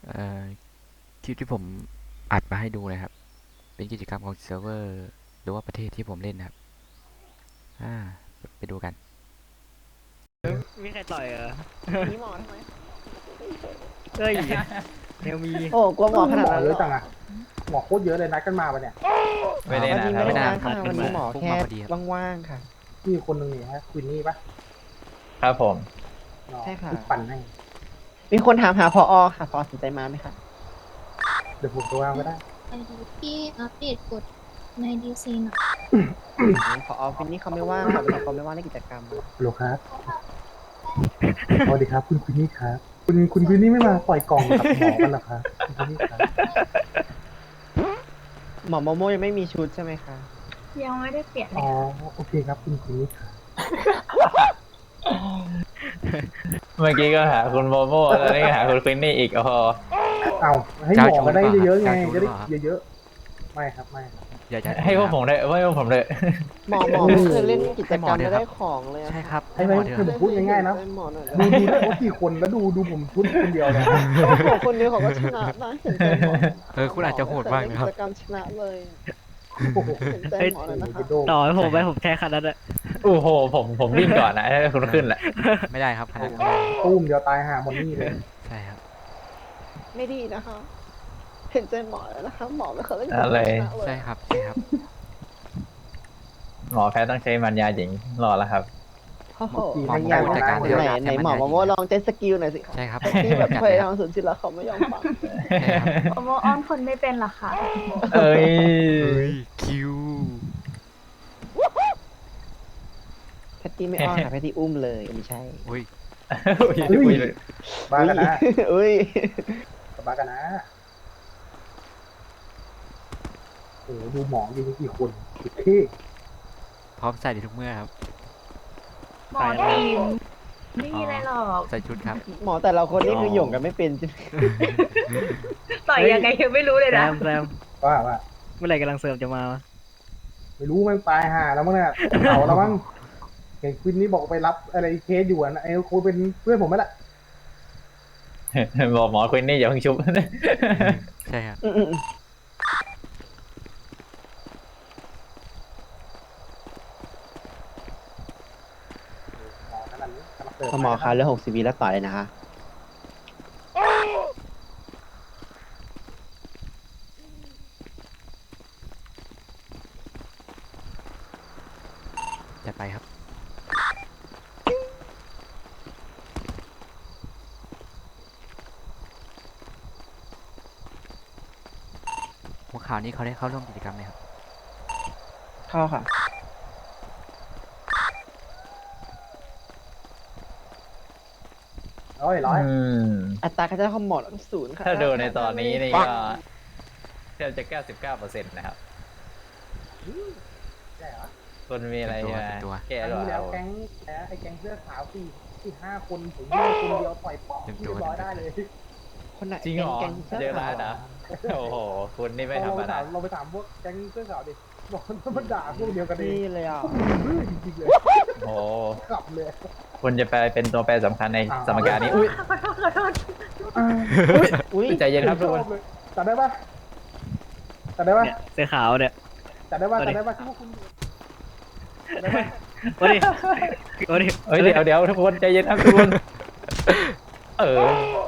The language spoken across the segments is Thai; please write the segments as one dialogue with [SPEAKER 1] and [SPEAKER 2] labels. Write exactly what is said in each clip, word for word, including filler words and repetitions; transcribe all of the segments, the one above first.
[SPEAKER 1] เอ่อคลิปที่ผมอัดมาให้ดูนะครับเป็นกิจกรรมของเซิร์ฟเวอร์หรือว่าประเทศที่ผมเล่นนะครับอ่าไปดูกัน
[SPEAKER 2] มีใครต่อยเหรอ
[SPEAKER 3] มีหมอทำไม
[SPEAKER 2] เฮ้ยเนวมี
[SPEAKER 3] โอ้กลัวหมอขนาดนั้น
[SPEAKER 4] เย
[SPEAKER 3] เหร
[SPEAKER 4] อะ
[SPEAKER 3] อ
[SPEAKER 4] จังอะหมอโคตรเยอะเลยนัดกันมาปะเนี่ย
[SPEAKER 5] ไม่ได้
[SPEAKER 3] วัน
[SPEAKER 5] นะ
[SPEAKER 3] นี้
[SPEAKER 5] ครั
[SPEAKER 3] ไม่
[SPEAKER 5] บ
[SPEAKER 3] ได้
[SPEAKER 1] นาน
[SPEAKER 3] นัดค่ะ
[SPEAKER 1] ครับ
[SPEAKER 3] วันนี้หมอ
[SPEAKER 1] เพิ่ง
[SPEAKER 3] แค่
[SPEAKER 1] มาพอดีครับ
[SPEAKER 3] ว่างๆค่ะ
[SPEAKER 4] พี่คนหนึ่งนี่ฮะควินนี่ปะ
[SPEAKER 5] ครับผม
[SPEAKER 4] อ๋อ
[SPEAKER 3] ใช่ค่ะ
[SPEAKER 4] พี่ปั่นให้
[SPEAKER 3] มีคนถามหาพอค่ะพอสนใจมาไหมคะ
[SPEAKER 4] เดี๋ยวผมตัววางก็ได้
[SPEAKER 6] ไปดูที่อัปเดตกฎในดีซีหน่อย
[SPEAKER 3] พอฟินนี่เขาไม่ว่างค่ะวันนี้เขาไม่ว่างในกิจกรรม
[SPEAKER 4] ฮัลโหลครับสวัสดีครับคุณควินนี่ครับคุณคุณควินนี่ไม่มาปล่อยกล่องกับหมอกันเหรอครับคุณควินนี่ครับ
[SPEAKER 3] หมอโมโมยังไม่มีชุดใช่ไหมคะ
[SPEAKER 6] ยังไม่ได้เปลี่ยนเล
[SPEAKER 4] อ๋
[SPEAKER 6] ย
[SPEAKER 4] อโอเคครับคุณควินนี่ครับ
[SPEAKER 5] เมื่อกี้ก็หาคุณโมโม่ตอนนี้ก็หาคุณควินนี่อีกโอ้โห
[SPEAKER 4] เอาให้หมอก็ได้เยอะๆไง
[SPEAKER 1] เจ้าชู้
[SPEAKER 4] จะ
[SPEAKER 1] หรื
[SPEAKER 4] ได้
[SPEAKER 1] อเปล่า
[SPEAKER 4] เยอะๆไม่ครับไม่ครับ
[SPEAKER 1] อย่าจะ
[SPEAKER 5] ให้พวกผมเลยให้พวกผมเลย
[SPEAKER 3] หมอหมอไม่เคยเล่นกิจกรรมไม่ได้ของเลย
[SPEAKER 1] ใช่ครับ
[SPEAKER 4] ให้ไหม
[SPEAKER 1] หมอเถ
[SPEAKER 4] คือ
[SPEAKER 1] อะ
[SPEAKER 4] ผมพูดง่ายๆนะ
[SPEAKER 3] หมอหน่อย
[SPEAKER 4] ดูดูได้เขากี่คนแล้วดูดูผมชุดคนเดียวเลย
[SPEAKER 3] หมอคนเดียวเขาก็ชนะนะเห็นใจหมอ
[SPEAKER 1] เออคุณอาจจะโหดมากนะครับ
[SPEAKER 3] กิจกรรมชนะเลย
[SPEAKER 4] โอ้โห
[SPEAKER 3] เห็นใจหมอเลยนะคะ
[SPEAKER 2] ต่อให้ผมไปผมแค่คันนั้นแหละ
[SPEAKER 5] โอ้โหผมผมวิ่งก่อนนะให้คุณขึ้นแหละ
[SPEAKER 1] ไม่ได้ครับขนาดนั้นไม่ได้
[SPEAKER 4] ตุ้มเดียวตายห่าหมดนี่เลย
[SPEAKER 1] ใช่ครับ
[SPEAKER 3] ไม่ดีนะคะ เห็นใจหมอแล้วนะคะ หมอไม่เคยเล่นกิจกรรม
[SPEAKER 5] อะไร
[SPEAKER 3] ชนะเล
[SPEAKER 1] ใช่
[SPEAKER 3] ย
[SPEAKER 1] ครับใช่ครับ
[SPEAKER 5] หมอแพทย์ต้องใช้มันยาหญิงรอแล้วครับ
[SPEAKER 3] โอ้โห
[SPEAKER 1] หมอ
[SPEAKER 3] ยัง
[SPEAKER 1] จัดการ
[SPEAKER 3] ไห
[SPEAKER 1] เดี๋ยวน
[SPEAKER 3] ไหนหมอ
[SPEAKER 1] ให้มัน
[SPEAKER 3] มาโมลองเจ็ตสกิลหน่อยสิคะ
[SPEAKER 1] ใช่ครับ
[SPEAKER 3] ที่แบบ
[SPEAKER 1] จัด
[SPEAKER 3] พ
[SPEAKER 1] เลย
[SPEAKER 3] ยา
[SPEAKER 1] ค
[SPEAKER 3] ยา
[SPEAKER 1] รับ
[SPEAKER 3] มสุดที่แล้วเขาไม่ยอมฟัง
[SPEAKER 1] ใช่ครับ
[SPEAKER 6] โอโมอ้อนคนไม่เป็นหรอคะ
[SPEAKER 5] เอ้ย
[SPEAKER 1] เฮ้ยคิว
[SPEAKER 3] แพตตี้ไม่อ้อนค่ะแพตตี้อุ้มเลยไม่ใช่
[SPEAKER 1] อุ้ย
[SPEAKER 5] อุ้ย
[SPEAKER 4] บ้ากันนะ
[SPEAKER 3] อุ้ย
[SPEAKER 4] บ้ากันนะโอ้โหดูหมอยิงกี่คนกี่เท่
[SPEAKER 1] พร้อมใส่ในทุกเมื่อครับ
[SPEAKER 6] หมอทีมไม่มีอะไรหรอก
[SPEAKER 1] ใส่ชุดครับ
[SPEAKER 3] หมอแต่ละคนนี่คือหย่งกันไม่เป็นใช่ไหม
[SPEAKER 6] ต่อยยังไงยังไม่รู้เลย
[SPEAKER 2] แซ
[SPEAKER 6] นะ
[SPEAKER 2] มแซม
[SPEAKER 4] ว่าว่า
[SPEAKER 2] เมื่อไหร่กำลังเสริมจะมาวะ
[SPEAKER 4] ไม่รู้มันตายห่าแล้วมั้งเนี่ยเขาแล้วมั้งเห็นควินนี่บอกไปรับอะไรเคสอยู่อ่ะไอ้โคเป็นเพื่อนผมไหมล่ะ
[SPEAKER 5] บอกหมอควินนี่อย่าเพิ่งชุบ
[SPEAKER 1] ใช่ครับ
[SPEAKER 3] อืมอืมอืม
[SPEAKER 4] หมอขนาดนี้กำลังเติม
[SPEAKER 3] พอหมอคะเหลือหกสิบวิแล้วต่อเลยนะคะ
[SPEAKER 1] จัดไปครับ หัวข่าวนี้เขาได้เข้าร่วมกิจกรรมไหมครับ
[SPEAKER 3] เข้าค่ะ
[SPEAKER 4] ร้อยร้อย
[SPEAKER 5] อืม
[SPEAKER 3] อัตราการใช้ของหมอศูนย์ค่ะ
[SPEAKER 5] ถ้าดูในตอนนี้นี่ก็แทบจะเก้าสิบเก้าเปอร์เซ็นต์นะครับ
[SPEAKER 4] ใช่เหรอ
[SPEAKER 5] คุณมีอะไรใช่ไหม
[SPEAKER 1] เป็นตัว
[SPEAKER 5] แก้
[SPEAKER 4] ครั้ง
[SPEAKER 5] หรือ
[SPEAKER 4] ที่
[SPEAKER 5] เป
[SPEAKER 4] แล้
[SPEAKER 5] ล่าว
[SPEAKER 4] แก๊งแพ้ไอ้แก๊งเสื้อขาวสี่สี่ห้าคนผมยิงคนเดียวปล่อยป๊อก
[SPEAKER 1] เต็ม
[SPEAKER 4] เรี
[SPEAKER 1] ตั
[SPEAKER 4] ยว บร้อยได้เลย
[SPEAKER 3] คนไหน
[SPEAKER 5] จริงเหรอ
[SPEAKER 3] แก๊งๆ
[SPEAKER 5] เจอร้านเหรอโอ้โหคุณนี่ไม่ธร
[SPEAKER 4] เรา
[SPEAKER 5] รม
[SPEAKER 4] ไป
[SPEAKER 5] ดา
[SPEAKER 4] ถามเราไปถามพวกแก๊งเสื้อขาวดิบอกว่ามันด่าพวกเดียวกันเอ
[SPEAKER 3] นี่
[SPEAKER 4] ง
[SPEAKER 3] เลยอ่ะ
[SPEAKER 4] บื้อจริงๆเลย
[SPEAKER 5] โอ้โห
[SPEAKER 4] ขับเลย
[SPEAKER 5] คุณจะไปเป็นตัวแปรสำคัญในสมการนี้อุ้ย
[SPEAKER 6] ขอโทษขอโทษ
[SPEAKER 3] อุ้ย
[SPEAKER 5] ใจเย็นครับทุกคน
[SPEAKER 4] ชอเลยจัดได้ปะจัดได้ปะ
[SPEAKER 2] เนี่ยเสื้อขาวเนี่ย
[SPEAKER 4] จัดได้ปะ
[SPEAKER 2] เอาดิ
[SPEAKER 4] จัดได้ปะที่พวกคุณจัดได้ปะ
[SPEAKER 2] โอ้ดิโอ้ดิ
[SPEAKER 5] เอ้ยเดี๋ยวเดี๋ยวทุกคนใจเย็นครับทุกคนเออ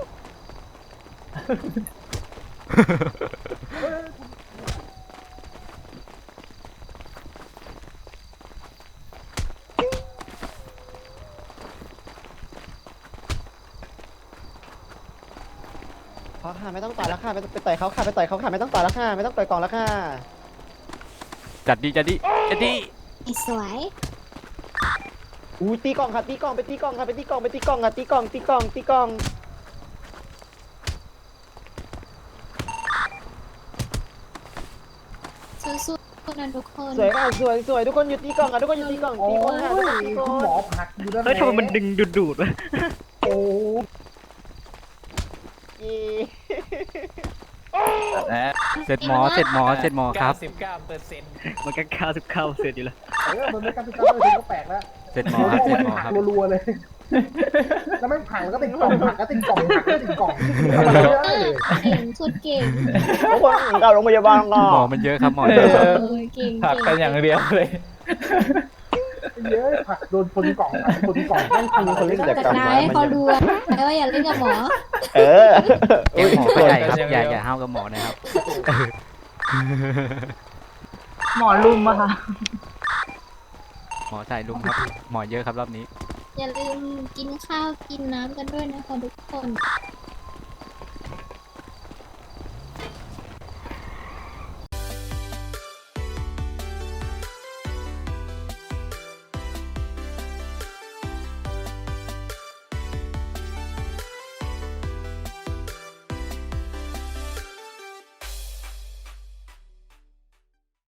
[SPEAKER 3] พอค่ะไม่ต้องต่อยแล้วค่ะไปไปต่อยเขาค่ะไปต่อยเขาค่ะไม่ต้องต่อยแล้วค่ะไม่ต้องต่อยกล่องแล้วค่ะ
[SPEAKER 1] จัดดีจัดดีจัดดี
[SPEAKER 6] ไอ้สวย
[SPEAKER 3] อุ้ยตีกล่องค่ะตีกล่องไปตีกล่องค่ะไปตีกล่องไปตีกล่องค่ะตีกล่องตีกล่องตีกล่อง
[SPEAKER 6] สู้ๆนะทุกคน
[SPEAKER 3] สวยค่ะสวยสวยทุกคนอยู่ตีกล่องค่ะทุกคนอยู่ตีกล่อง
[SPEAKER 4] โอ้
[SPEAKER 3] ตีกล่องค่ะทุกคน
[SPEAKER 4] ย
[SPEAKER 3] ตีกล่อง
[SPEAKER 4] คุณหมอผลักอยู่ด้าน
[SPEAKER 2] เฮ้ยทำไมมันดึงดูดดูดวะ
[SPEAKER 4] โอ้
[SPEAKER 3] เย้
[SPEAKER 5] นะ
[SPEAKER 1] เสร็จหมอเสร็จหมอเสร็จหมอครับ
[SPEAKER 5] เก้าสิบเก้าเปอร์เซ็นต์
[SPEAKER 2] มันก็เก้าสิบเก้าเสร็จอยู่แล้ว
[SPEAKER 4] เออมันไม่กล้าติดตามเลยก็แปลกแล้ว
[SPEAKER 1] เสร็จหมอครับเสร็จหมอครับ
[SPEAKER 4] รัวๆเลยแล้วไม่ผักแล้วก็ติดกล่องผักก็ติดกล่องผักก็ติดกล่องทำอะไรไม่ได้เลย
[SPEAKER 6] เก่งสุดเก่ง
[SPEAKER 3] ทุกคนเข้าโรงพยาบาลก่อ
[SPEAKER 1] หมอน มันเยอะครับหมอ
[SPEAKER 5] เอ
[SPEAKER 1] เยอะครับ
[SPEAKER 5] อ
[SPEAKER 6] เออเก่ง
[SPEAKER 5] ผักกันอย่างเดียวเลย
[SPEAKER 4] เยอะผักโดนชนกล่องผักชนกล่อง
[SPEAKER 3] นั่นคือคนเล่นกิจ
[SPEAKER 6] จัด
[SPEAKER 3] กรรม
[SPEAKER 6] นายให้เขาดูนะว่าอย่าเล่นกับหมอ
[SPEAKER 3] เออ
[SPEAKER 1] แกล้งหมอไม่ได้ครับ
[SPEAKER 5] ยังไง
[SPEAKER 1] อย่าอย่าห้าวกับหมอนะครับ
[SPEAKER 7] หมอลุมอะค่ะ
[SPEAKER 1] หมอใส่ลุมครับ หมอเยอะครับรอบนี้
[SPEAKER 6] อย่าลืมกินข้าวกินน้ำกันด้วยนะคะทุกคน